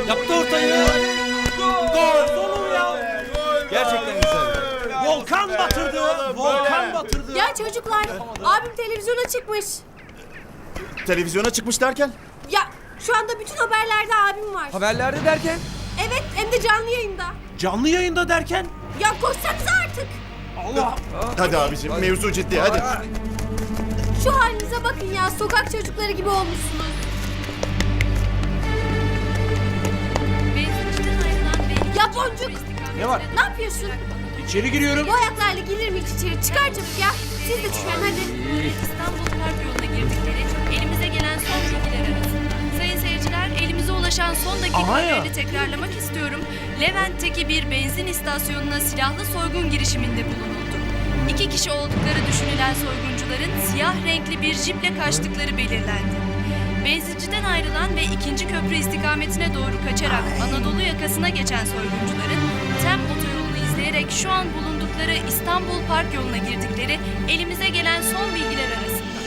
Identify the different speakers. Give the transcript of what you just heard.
Speaker 1: Yaptı ortayı. Gol. Oğlum ya.
Speaker 2: Gerçekten güzeldi.
Speaker 1: Volkan batırdı. Volkan batırdı.
Speaker 3: Ya çocuklar, abim televizyona çıkmış.
Speaker 2: Televizyona çıkmış derken?
Speaker 3: Ya şu anda bütün haberlerde abim var.
Speaker 4: Haberlerde derken?
Speaker 3: Evet, hem de canlı yayında.
Speaker 1: Canlı yayında derken?
Speaker 3: Ya koşsanıza artık.
Speaker 1: Allah.
Speaker 2: Hadi abicim mevzu ciddi hadi.
Speaker 3: Şu halinize bakın ya, sokak çocukları gibi olmuşsunuz. Ya Boncuk,
Speaker 4: Ne var?
Speaker 3: ne yapıyorsun?
Speaker 4: İçeri giriyorum.
Speaker 3: Bu ayaklarla gelir mi hiç içeri? Çıkar çabuk ya. Siz de çıkın hadi.
Speaker 5: İstanbul Park yoluna girdikleri elimize gelen son bilgiler arasında. Sayın seyirciler, elimize ulaşan son dakika
Speaker 1: Aha ya.
Speaker 5: haberini tekrarlamak istiyorum. Levent'teki bir benzin istasyonuna silahlı soygun girişiminde bulunuldu. 2 kişi oldukları düşünülen soyguncuların siyah renkli bir jiple kaçtıkları belirlendi. Benzinciden ayrılan ve 2. köprü istikametine doğru kaçarak Anadolu yakasına geçen soyguncuların TEM otoyolunu izleyerek şu an bulundukları İstanbul Park yoluna girdikleri elimize gelen son bilgiler arasında.